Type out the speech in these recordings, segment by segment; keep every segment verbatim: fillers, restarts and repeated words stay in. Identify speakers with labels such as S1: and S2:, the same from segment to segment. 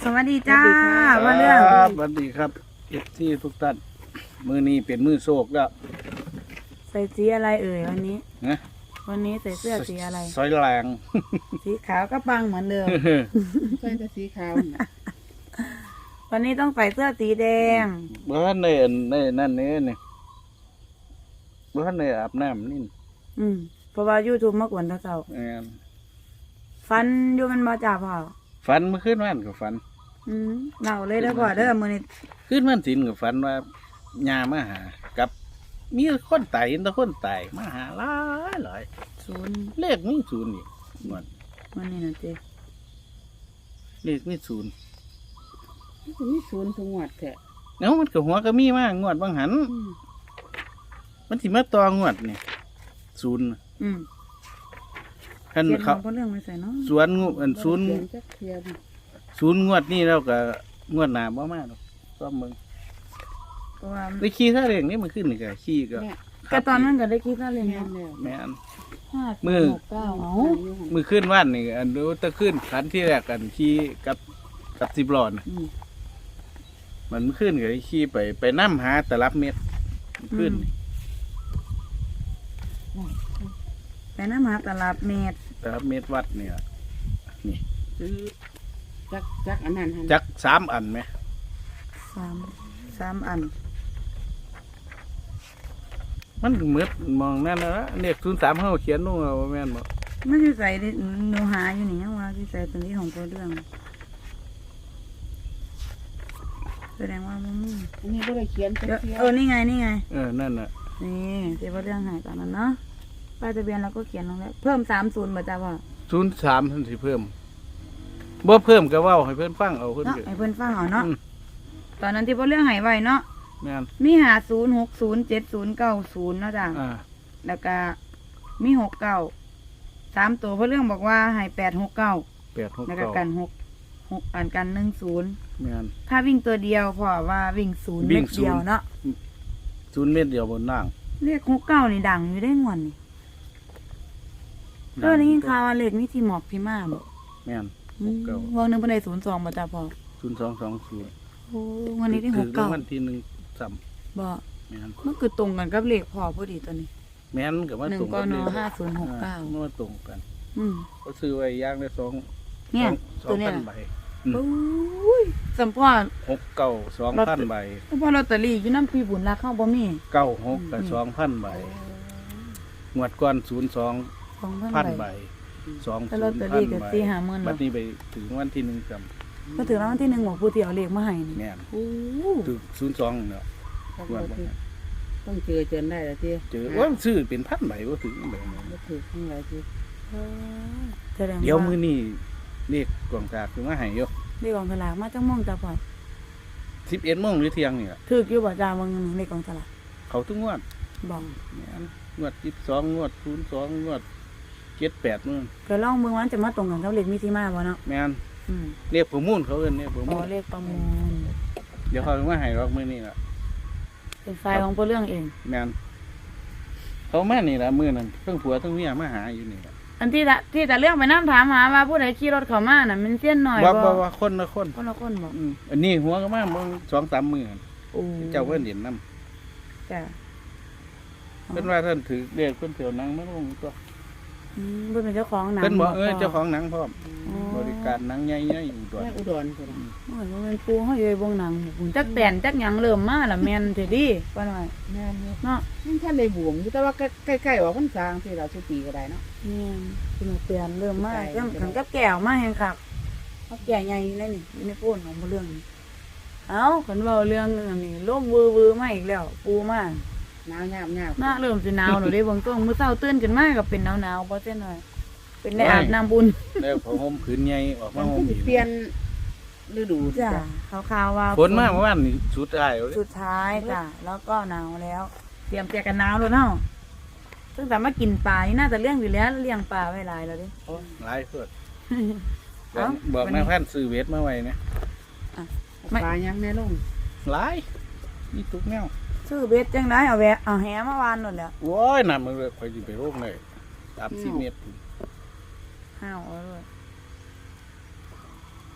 S1: สวัสดีจ้าว่าเรื่อง
S2: สวัสดีครับเอฟซีทุกท่านมือนี้เป็นมือโศกแล้ว
S1: ใส่สีอะไรเอ่ยวันนี้
S2: นะ
S1: วันนี้ใส่เสื้อสีอะไร
S2: ซอยแรง
S1: สีขาวก็ปังเหมือนเดิม
S3: ใส่แต่สีขาว
S1: วันนี้ต้องใส่เสื้อสีแดง
S2: เมื่อในในนั่นนี่นี่เมื่อในอาบน้ำนี่
S1: อืมเพราะว่ายูทูบมากกว่าเท่า
S2: แอน
S1: ฟันอยู่มันมาจ่าเปล่า
S2: ฝันเมื่อคืนวันกับฝัน
S1: อืมเน่าเลยแล้วพอเด้อมือนี้
S2: คืนวันศิลกับฝันว่าญามาหากับมีคนตายเห็นแต่คนตายมาหาหลายหลาย
S1: ศูนย์
S2: เลขมีศูนย์อีกงวด
S1: วันนี้นะเจ๊
S2: เลขมีศูนย์
S3: มีศูนย์ทุกงวดแท้
S2: เนาะมันกับหัวก็มีมากงวดบางหันมันสิมาต่องวดนี่ศูนย์
S1: อืม
S2: ขันเขา
S1: เรื่องไม่ใส่เนาะ
S2: สวนงูอันศูนย์ศูนย์งวดนี่เราก็งวดหนาบ่มากหรอกซ้อมมึงไปขี่ท่าเร่งนี่มันขึ้นนี่ก็ขี่ก็
S1: ก็ตอนนั้นก็ได้คิดว่าเลย
S3: นะ
S2: แม่น
S1: มือเก้าเอา
S2: มือขึ้นว่านนี่อันดูตะขึ้นขันที่แรกกันขี่กับกับสิบล้อนะมันขึ้นก็ได้ขี่ไปไปน้ำหาแต่รับเม็ดขึ้น
S1: ไปน้ำหาตลาดเม็ด
S2: แต่รับเม็ดวัดเนี่ยนี่
S3: จักจักอันนั้น
S2: จักสามอันไหม
S1: สามสามอัน
S2: มันเหมือนมองนั่นนะเนี่ยศูนย์สามเขาเขียนนู่นเอาแม่นบอก
S1: ไม่ใช่ใส่หนูหาอยู่นี่ยังว่าที่ใส่ตัวนี้ของตัวเรื่องแสดงว่ามัน
S3: อันนี้ก็เลยเขียน
S1: เออนี่ไงนี่ไง
S2: เออนั่นน่ะ
S1: นี่เจ้าเรื่องหายตอนนั้นเนาะป้ายทะเบียนเราก็เขียนลงแล้วเพิ่มสามศูนย์มาจ้าว่า
S2: ศูนย์สามท่านสิเพิ่มบ่เพิ่มก็ว่าให้เพื่อนฟังเอาเพื่อน
S1: ให้เพื่อนฟังเอาเนาะตอนนั้นที่พ่อเรื่องหายไว้เนาะมีหาศูนย์หกศูนย์เจ็ดศูนย์เก้าศูนย์นะจ้ะแล้วก็มีหกเก้าสามตัวพ่อเรื่องบอกว่าหายแปดหกเก้า
S2: แปดหก
S1: แล้ว
S2: ก็
S1: กันหกหกอันกันหนึ่งศูนย์ถ้าวิ่งตัวเดียวพอว่าวิ่งศูนย์เม็ดเดียวเนาะ
S2: ศูนย์เม็ดเดียวบนนั่ง
S1: เลขหกเก้านี่ดังอยู่ได้งวนนี่ก็ได้ยินข่าวว่าเลขนี่ที่หมอกพี่มาบอก
S2: แม่น
S1: วางหนึ่งเป็นในศูนย์สองมาจ้าพอ
S2: ศูนย์สองสองศูนย์
S1: โอ้วันนี้ได้หกเก้า
S2: วันที่หนึ่งซ้
S1: ำบอกมันคือตรงกันกับเลขพอพอดีตัวนี้
S2: แม่นกับว่า
S1: ตรงกันหนึ่งก็นห้าศูนย์หกเก้า
S2: มันว่าตรงกัน
S1: อืม
S2: ก็ซื้อไว้ย่างได้สอง
S1: เนี่ยตัวนี้
S2: ใบ
S1: โอ้ยสัมพอ
S2: หกเก้าสองพันใบ
S1: สัมพอลอตเตอรี่อยู่น้ำปีบุญราเข้าบ่มี
S2: เก้าหกกับสองพันใบงวดก้อนศูนย์สองพันใบสองศูนย์พันใบบัดนี้ไปถึงวันที่หนึ่งจำ
S1: ก็ถึงวันที่หนึ่งหมอผู้เที่ยวเลขมาให้นี่
S2: แม่นถึงศูนย์สองเนาะ
S3: ต้องเจอเจอได้แล้วที่
S2: เจอว่าซื้อเป็นพันใบว่าถึงแบบนี้
S3: ก็ถือทั้งหลายที่
S2: เดี๋ยวมื้อนี้เลขกองสลากถึงมาให้อยู่
S1: เลขกองสลากมาจังม่วงจ้าพ่อ
S2: สิบเอ็ดโมงหรือเที่ยงนี่แหละ
S1: ถืออยู่บ่จ้ามึงเลขกองสลาก
S2: เขาทุกงวด
S1: บอก
S2: งวดยี่สิบสองงวดศูนย์สองงวดเจ็ดแปดมื้อ
S1: ก็ลองมึงวันจะมาตรงกันกับเลขมีที่มาบ่เนาะ
S2: แม่นเรียกประมูลเขาเอิ้นเนี่ยประมูล
S1: เรียกประมูล
S2: เดี๋ยวเขาจะมาให้รอกมื้อนี้ล่ะ
S1: เป็นไฟล์ของพ่อเรื่องเอง
S2: แม่นเขามานี่ล่ะมื้อนั้นเพิ่งผัวทั้งเมียมาหาอยู่นี่ล่ะ
S1: อันที่ที่แต่เรื่องไปนั่งถามหาว่าผู้ใดขี่รถเข้ามาน่ะมันเสี้ยนหน่อย
S2: บ่บ่ว่าคนละคน
S1: คนละคนบ่
S2: อันนี้หัวก็มาเบิ่ง สองสาม มื้อโอ้เจ้าเพิ่นเห็นนำ
S1: จ้ะ
S2: เพิ่นว่าท่านถือเลขเพิ่นเที่ยวหนังมาลงตัว
S1: อืมเพิ่นเป็นเจ้าของหนัง
S2: เพิ่นบอกเออเจ้าของหนังพร้อมบริการหนังใหญ่ๆอยู่
S3: อุดรพุ่น
S1: โอ้ยมันเป็นปูเฮาอยู่วงหนังพุ่นจักแตนจักหยังเริ่มมาล่ะแม่นเถิดดิว่าหน่อย
S3: แม่นเนาะมันท่านได้บวมอยู่แต่ว่าใกล้ๆออกพรรษาที่เราสุปีก็ได้เนาะ
S1: แม่นคุณเตือนเริ่มมาจังขันกับแก้วมาแฮงคักเฮาแก่ใหญ่เลยนี่อยู่ในโพนของบ่เรื่องเอ้าคันเว้าเรื่องอันนี้ลมวือๆมาอีกแล้วปูมา
S3: หนาวยาว
S1: ๆมาเริ่มสิหนาวแล้วเด้เบิ่งตัวมื้อเช้าตื่นขึ้นมาก็เป็นหนาวๆบ่ซั่นหน่อยเป็นได้อาบน้ำบุญ
S2: แล้วผ้าห่มผืนใหญ่ออกมาห่ม
S3: เปลี่ยนฤดู
S1: จ้ะขาวๆว่า
S2: ฝนมาเมื่อวานนี่สุดท้าย
S1: สุดท้ายจ้ะแล้วก็หนาวแล้วเตรียมเปียกกันหนาวแล้วเนาะตั้งแต่มากินปลานี่น่าจะเลี้ยงอยู่แล้วเลี้ยงปลาไว้หลายแล้วดิ
S2: หลายเพิ่นบอกแม่พันซื้อเวทมาไว้เนี่ย
S3: ปลายังแม่ลง
S2: หลายนี่ทุกแนว
S1: ซื้อเวทจังได๋เอาแวะเอาแหมาวานนั่นแหละ
S2: โอ้ยน่ะมันค่อยสิไปโรงเลยสามสิบเมตร
S1: ห้าวเอาด้วย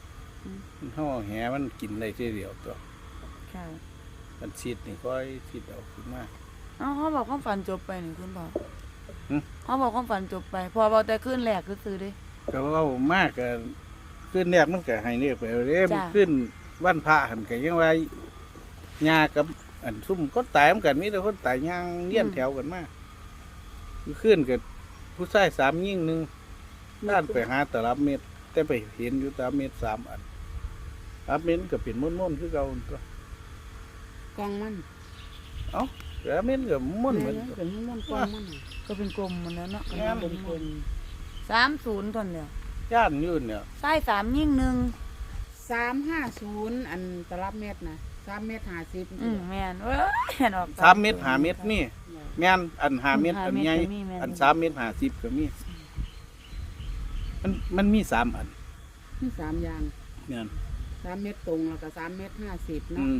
S2: มันห่อแหมันกินได้ทีเดียวตัว
S1: ค่ะ
S2: มันชิดนี่ค่อยชิดเอาขึ้นมา
S1: เอ้าเขาบอกความฝันจบไปนี่คุณพ่อ
S2: หึ
S1: เขาบอกความฝันจบไปพอบอกแต่ขึ้นแรกคือซื้อเดิ
S2: ก็เว้ามากก็ขึ้นแรกมันก็ให้เนี่ยไปเด้
S1: จ้ะ
S2: ขึ้นวันพระหันก็ยังว่าญากับอันซุ่มคนตายมันกันมีแต่คนตายย่างเลี้ยนแถวกันมาขึ้นกับผู้ชายสามยิ่งหนึ่งด้านไปหาตลับเม็ดแต่ไปเห็นอยู่ตลับเม็ดสามอันตลับเม็ดก็เป็นม้วนๆคือเก่าตัว
S3: กองมัน
S2: เอ้าตลับเม็ดก็ม้วนเหมือน
S3: แม่
S2: กัน
S3: เป็นม้วนกองมัน
S1: ก็เป็นกลมหมันแล้วเนาะ
S2: แม่น
S3: เป็นคน
S1: สามศูนย์ทนเดียว
S2: ย่านอยืนเนี่ย
S1: ใต้สามยิ่งหนึ่ง
S3: สามห้าศูนย์อันตลับเม็ดนะสามเม็ดห้าสิบ
S1: อืมแม่นเว้ยเห็นออก
S2: สามเม็ดหาเม็ดนี่แม่นอันหาเม็ดอันใหญ่
S1: ห้าเม็ดก็มีแม่น
S2: อันสามเม็ดหาสิบก็มีมันมันมีสามอัน
S3: มีสามอย่าง
S2: แม่น
S3: สามเม็ดตรงแล้วก็สามเม็ดห้าสิบ
S2: อื
S3: เนาะ
S2: ม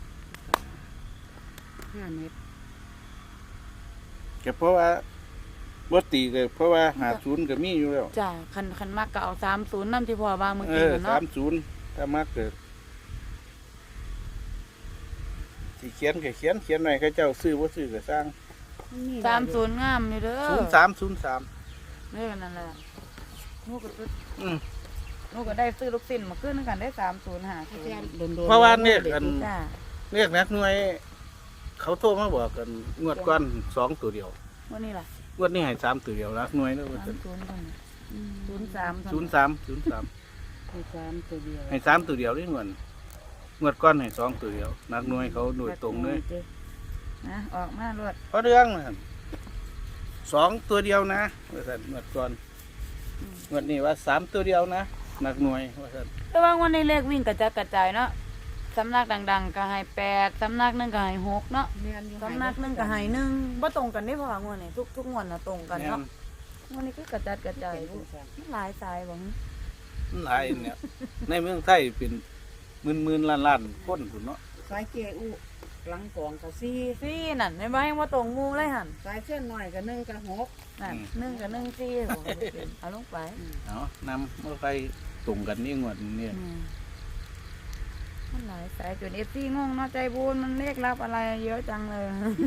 S3: ห้าเม็ด
S2: ก็เพราะว่าบ่ตีก็เพราะว่าหาศูนย์ก็มีอยู่แล้ว
S1: จ้าคันคันมากก็เอาสามศูนย์นั่นที่พ่อว่าเมื่อ
S2: เอ
S1: กี้
S2: อ
S1: น่ะ
S2: สา
S1: เนาะ
S2: มศูนย์ถ้ามาเกิดที่เขียนก็เขียนเขียนหน่อยเขาเจ้าซื้อบ่ซื้อก็สร้าง
S1: สามศูนย์งามนี่เด้อ
S2: ศูนย์สามศูนย์สาม
S1: เรื่องนั่นแหละนูก็ซื้อ
S2: อืม
S1: นูก็ได้ซื้อลูกศิษย์มาขึ้นกันได้สามศูนย์หาศูนย์
S2: เพราะว่าเนี่ยอัน
S1: จ้า
S2: เรียกนักหน่วย เขาโทรมาบอกกันงวดก่อนสองตัวเดียว
S1: วันนี้ล่ะ
S2: งวดนี้ให้สามตัวเดียวนักหน่วยแล้วว่า
S1: สามศูนย์เท่านั้นศูนย์สาม
S2: ศูนย์สามศูนย์สาม
S3: ให้สามตัวเดียว
S2: ให้สามตัวเดียวนี่งวดงวดก้อนให้สองตัวเดียวนักหน่วยเขาโดยตรงเลย
S1: นะออกมาลวด
S2: เพราะเรื่องนะครับสองตัวเดียวนะว่าสันงวดก่อนงวดนี้ว่าสามตัวเดียวนะนักหน่วยว่าสัน
S1: แต่ว่าวันนี้เลขวิ่งกระจัดกระจายเนาะสำนักดังๆก็ให้แปดสำนักหนึงก็ให้หกเนาะ
S3: แม่นอยู่
S1: สำนักหนึงก็ให้หนึ่งบ่ตรงกันได้เพราะว่างวดนี้ทุกทุกงวดน่ะตรงกัน
S2: แม่
S1: เนาะ
S2: น
S1: วันนี้คือกระจัดกระจายอยู่มันหลายสายบ่
S2: มันหลายเนี่ย ในเมืองไทยเป็นหมื่นหมื่นล้านล้านคนพุ่นเนาะ
S3: สายเกอุหลังกองกับสี่
S1: ซี่นั่นไม่บ่ให้ว่าตรงหมู่เลยหั่น
S3: สายเส้นหน่อยกับหนึ่งกับหก
S1: นั่นหนึ่งกับหนึ่งซี่บอกให้เป็นเอาลงไป
S2: เอานำเมื่อไฟตรงกันนี่งวดนี้
S1: อืมมันหลายสายจน เอฟ ซี งงเนาะใจบุญมันเลขรับอะไรเยอะจังเลย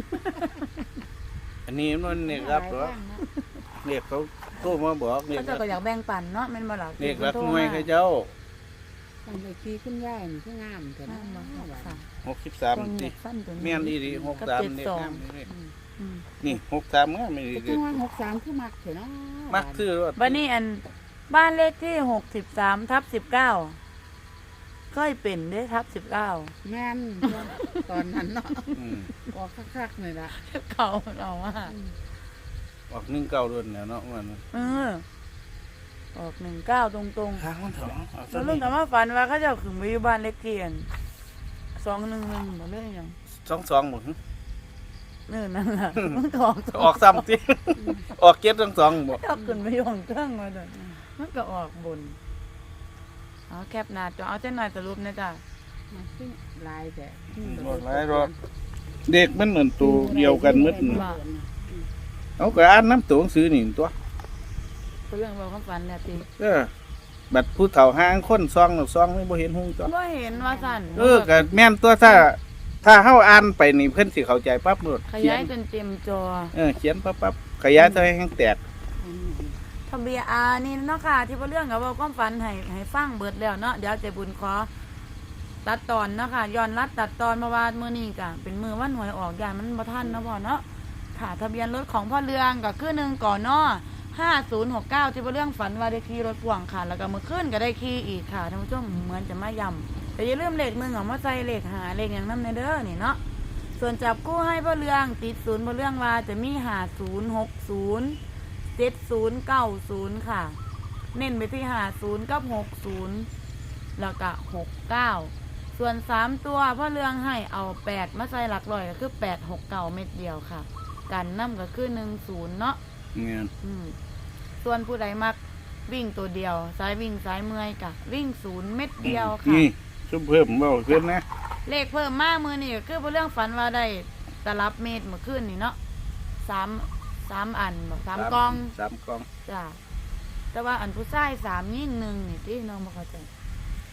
S2: อันนี้มันเนี่ยครับเหรอเรียกเขาโทรมาบอกเรีย
S1: เขา
S2: ก
S1: เจะก็อยากแบ่งปันเนาะแม่นบ่ล่ะ
S2: เรียกรักหน่วยเขาเจ้า
S3: ทำไปขี้ขึ้นย่ายนี่คืองามแต่
S1: นั่
S3: นะ
S1: นบ่ค่ะ
S2: หกสิบสาม
S1: คนเห
S2: สิ
S1: ยียดสั้นตัวนี้
S2: เมียนอีดีหกสาม
S1: กับ
S2: เนี่
S1: เจ็ด
S2: ย
S1: สอง
S2: งามนี่
S1: อืม
S2: นี่หกสามงามไม่ดี
S3: ก็
S2: เล
S3: จั
S2: ย
S3: งว่าหกสามคือมักเถอะเนาะ
S2: มักซื้อรถ
S1: บัดนี้อันบ้านเลขที่หกสิบสามทับสิบเก้าเคยเป็นเด้ทับสิบเก้า
S3: แม่นตอนนั้นเนาะ
S2: อืม
S3: ออกคักๆเลยล่ะ
S1: เขาเอาว่า
S2: ออกหนึ่งเก้ารุ่นแล้วเนาะมัน
S1: เออออกหนึ่งเก้าตรงตรง
S2: ทางมันถองเอา
S1: ๆ
S2: ซะ
S1: แล้วลุ
S2: นี่
S1: งถามว่าฝันว่าเขาเจะขึ้นไปอยู่บ้านเลขที่อันสองหนึ่งหนึ่งบ่เรื่องหยัง
S2: สองสองหมด
S1: เออนั่นล่ะมันก็ออก
S2: ออกซ้ำที่ ออกเก็บทั้งสองหมด
S1: ชอบขึ้นไปอยู่ของเครื่องมาเด้อมันก็ออกบนเอาแคปหน้าจอเอาเส้นหน่อยสรุปนะจ๊ะ
S3: ขึ้นลายแต่
S2: หมดหลายรอบเด็กมันเหมือนตัวเดียวกันหมืดน่ะ
S1: ว่า
S2: เอาก็อ่านน้ำตัวหนังสือนี่ตัว
S1: เรื่องบอกความฝันเนี่ยติ
S2: เออบัดผู้เฒ่าห้างคนซองหรือซองไม่บ่เห็นหงตัว
S1: บ่เห็นว่าสั่น
S2: เออก็แม่นตัวถ้า ถ้าเฮาอ่านไปนี่เพิ่นสิเข้าใจปั๊บโลด
S1: ข
S2: เขีย
S1: ยาย
S2: น
S1: จนเต็มจอ
S2: เออเขียนปั๊บปั๊บขยายเท่าให้แห้งแตก
S1: ทะเบียนอานี่เนาะค่ะที่ว่าเรื่องกับว่าความฝันให้ให้ฟังเบิดแล้วเนาะเดี๋ยวเจบุญขอตัดตอนเนาะค่ะย้อนรัดตัดตอนมาว่ามื้อนี้ก็เป็นมื้อวันหวยออกยานมันบ่ทันเนาะพ่อเนาะค่ะทะเบียนรถของพ่อเรืองก็คือหนึ่งก่อนเนาะห้าศูนย์หกเก้าที่ว่าเรื่องฝันว่าได้ขี่รถพ่วงค่ะ แล้วก็มื้อคืนก็ได้ขี่อีกค่ะท่านผู้ชมเหมือนจะมาย้ำแต่อย่าลืมเลขหนึ่งเอามาใส่เลขหาเลขหยังนำในเด้อนี่เนาะส่วนจับกู้ให้พ่อเรืองติดศูนย์พ่อเรืองว่าจะมีห้าศูนย์หกศูนย์เจ็ดศูนย์เก้าศูนย์ค่ะ เน้นไปที่ห้าศูนย์กับหกศูนย์แล้วก็หกเก้าส่วนสามตัวพ่อเรืองให้เอาแปดมาใส่หลักร้อยก็คือแปดหกเก้าเม็ดเดียวค่ะ กันน้ำก็คือหนึ่งศูนย์เนาะ
S2: แม่น
S1: อืมส่วนผู้ใดมักวิ่งตัวเดียวสายวิ่งสายเมื่อยกะวิ่งศูนย์เม็ดเดียวค่ะ
S2: นี่ซุมเพิ่มเว้าเพิ่นนะ
S1: เลขเพิ่มมากมือนี่ก็คือพ่อเรื่องฝันว่าได้ตลับเมตรเมื่อคืนนี่เนาะสามสามอันบอกสามกอง
S2: สามกอง
S1: จ้ะแต่ว่าอันผู้ชายสามยิ่งหนึ่งนี่ที่น้องบอกเข้าใจ
S3: ส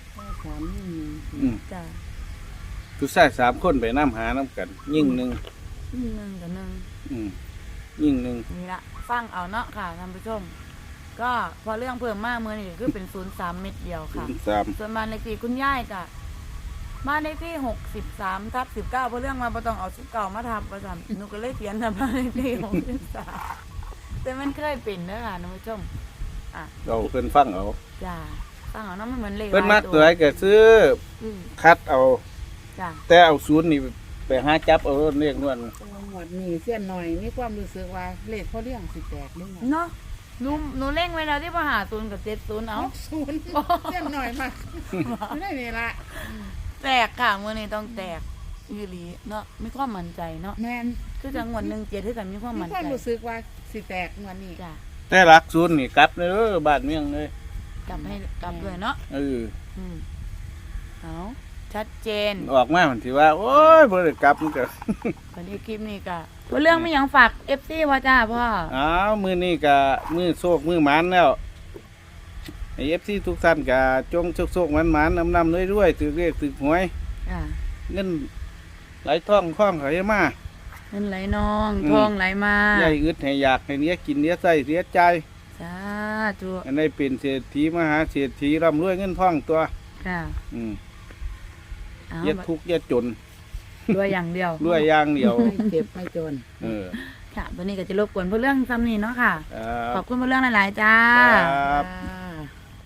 S3: สามยิ่งหนึ่ง
S2: อืม
S1: จ้ะ
S2: ผู้ชายสามคนไปน้ำหาน้ำกัน ยิ่งหนึ่ง
S1: หนึ่งกับหนึ่ง
S2: อืมยิ่งหนึ่ง
S1: นี่ละฟังเอาเนาะค่ะท่านผู้ชม ก็พอเรื่องเพิ่มมากเมื่อนี่คือเป็นศูนย์สามเม็ดเดียวค่ะ
S2: สาม
S1: ส่วนบ้านเลขที่คุณย่ายกะบ้านเลขที่หกสิบสามทับสิบเก้าเพราะเรื่องมาบ่ต้องเอาสิบเก้ามาทับประจำหนูก็เลยเขียนนะบ้านเลขที่หกสิบสามแต่มันเคยเป็นเด้อค่ะท่านผู้ชมอ่ะ
S2: เราเพิ่นฟังเอา
S1: จ้าฟังเอาเนาะมันเหมือนเลข
S2: เพิ่น
S1: หล
S2: มั
S1: ย
S2: กตัวไหนก็ซื้อ
S1: อืม
S2: คัดเอา
S1: จ้า
S2: แต่เอาศูนย์นี่ไปหาจับเอาเรียกนวล
S3: หมวดนี้เส้นหน่อยมีความรู้สึกว่าเลขเขาเลี้ยงสิแตกด้วย
S1: เนาะหนูหนูเล่งไว้แล้วที่มาหาศูนย์กับเจ็ดศูนย์เอา
S3: หกศูนย์เส้นหน่อยมากไม่ได้นี่ละ
S1: แตกค่ะเมื่อนี้ต้องแตกอีหลีเนาะมีความมั่นใจเนาะ
S3: แมน
S1: คือจังหวัดหนึ่งเจ็ดที่กันมีความ
S3: มี
S1: มั่น
S3: ความ
S1: ใจ
S3: รู้สึกว่าสิแตกวันนี้
S1: จ้า
S2: แต่รักศูนย์นี่กลับเลยเด้อบ้านเมืองเลย
S1: กลับให้กลับด้วยเนาะ
S2: เออ
S1: อืมเอาชัดเจน
S2: ออกมามันสิว่า โอ้ยบ่ได้กลับมันก็
S1: วันนี้คลิปนี้ก็ตัวเรื่องไม่ยังฝากเอฟซีว่าจ้าพ่อ
S2: อ้าวมื้อนี้ก็มื้อโชคมื้อหมานแล้วไอ้ เอฟ ซี ทุกท่านก็จงโชคๆหมานๆนำๆรวยๆถือเลขถือหวย
S1: อ่า
S2: เงินไหลท่องคล่องไหลมา
S1: เงินไหลนอง
S2: อืม
S1: ทองไหลมา
S2: ใหญ่อึดให้อยากให้เนี้ยกินเนี้ยใส่เสียใจ
S1: สาธุ
S2: อันนี้เป็นเศรษฐีมหาเศรษฐีร่ำรวยเงินทองตัว
S1: ค่ะ
S2: อืม
S1: เอา
S2: อย่าทุกข์อย่าจน
S1: รวยอย่างเดียว
S2: รวยอย่างเดียว
S3: ไม่เจ็บไม่จน
S2: เออ
S1: ค่ะวันนี้ก็จะรบกวนเพื่อเรื่องซ้ำนี้เนาะค่ะ
S2: ครั
S1: ขอ
S2: บบ
S1: คุณเพื่อเรื่องหลายๆจ้า
S2: ครับ
S3: อ่า